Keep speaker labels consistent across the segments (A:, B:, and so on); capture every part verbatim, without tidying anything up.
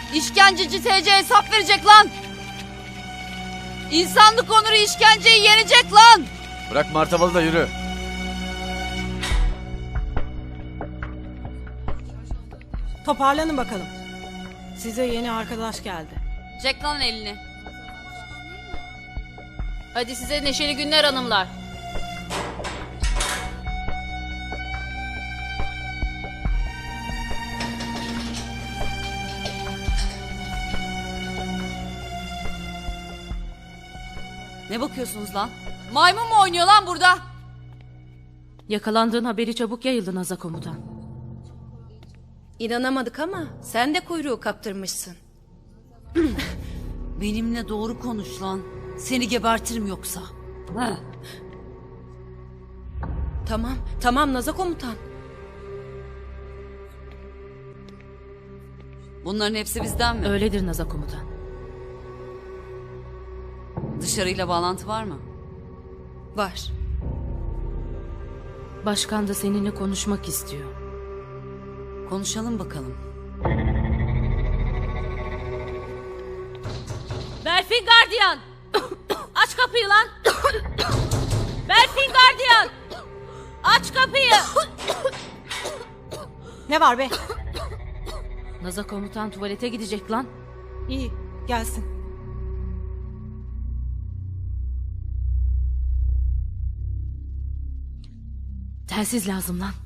A: İşkenceci T C hesap verecek lan. İnsanlık onuru işkenceyi yenecek lan.
B: Bırak martavalı da yürü.
C: Toparlanın bakalım. Size yeni arkadaş geldi.
A: Çek lan elini. Hadi size neşeli günler hanımlar. Ne bakıyorsunuz lan? Maymun mu oynuyor lan burada?
D: Yakalandığın haberi çabuk yayıldı Naza komutan.
E: İnanamadık ama sen de kuyruğu kaptırmışsın.
A: Benimle doğru konuş lan. Seni gebertirim yoksa. Ha.
E: Tamam, tamam Naza komutan.
A: Bunların hepsi bizden mi?
D: Öyledir Naza komutan.
A: Dışarıyla bağlantı var mı?
E: Var.
D: Başkan da seninle konuşmak istiyor.
A: Konuşalım bakalım.
D: Berfin gardiyan! Aç kapıyı lan! Berfin gardiyan! Aç kapıyı!
C: Ne var be?
D: Naza komutan tuvalete gidecek lan.
C: İyi, gelsin.
D: Telsiz lazım lan.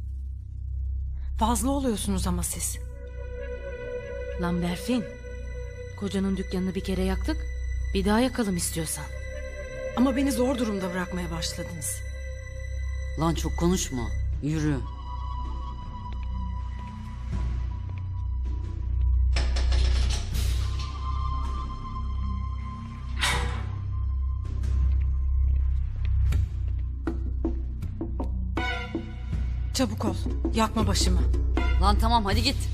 C: Fazla oluyorsunuz ama siz.
D: Lan Berfin. Kocanın dükkanını bir kere yaktık. Bir daha yakalım istiyorsan.
C: Ama beni zor durumda bırakmaya başladınız.
A: Lan çok konuşma. Yürü.
C: Çabuk ol, yakma başımı.
A: Lan tamam hadi git.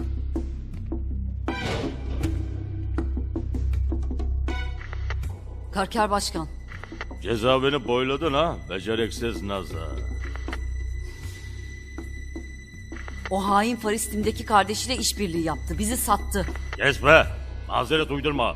A: Karker başkan.
F: Cezaevini boyladın ha, beceriksiz Naza.
A: O hain Faristim'deki kardeşiyle işbirliği yaptı. Bizi sattı.
F: Kes be, mazeret uydurma.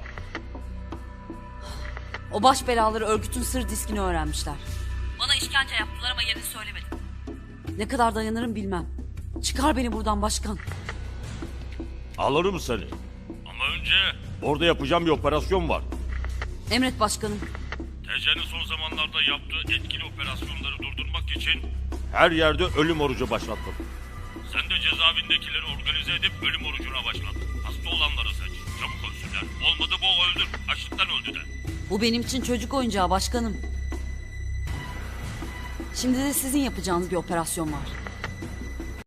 A: O baş belaları örgütün sır diskini öğrenmişler. Bana işkence yaptılar ama yerini söylemedim. Ne kadar dayanırım bilmem. Çıkar beni buradan başkan.
F: Alırım seni. Ama önce orada yapacağım bir operasyon var.
A: Emret başkanım.
F: T C'nin son zamanlarda yaptığı etkili operasyonları durdurmak için her yerde ölüm orucu başlattım. Sen de cezaevindekileri organize edip ölüm orucuna başladın. Hasta olanları seç. Çabuk ölsünler. Olmadı boğ öldür. Açlıktan öldü de.
A: Bu benim için çocuk oyuncağı başkanım. Şimdi de sizin yapacağınız bir operasyon var.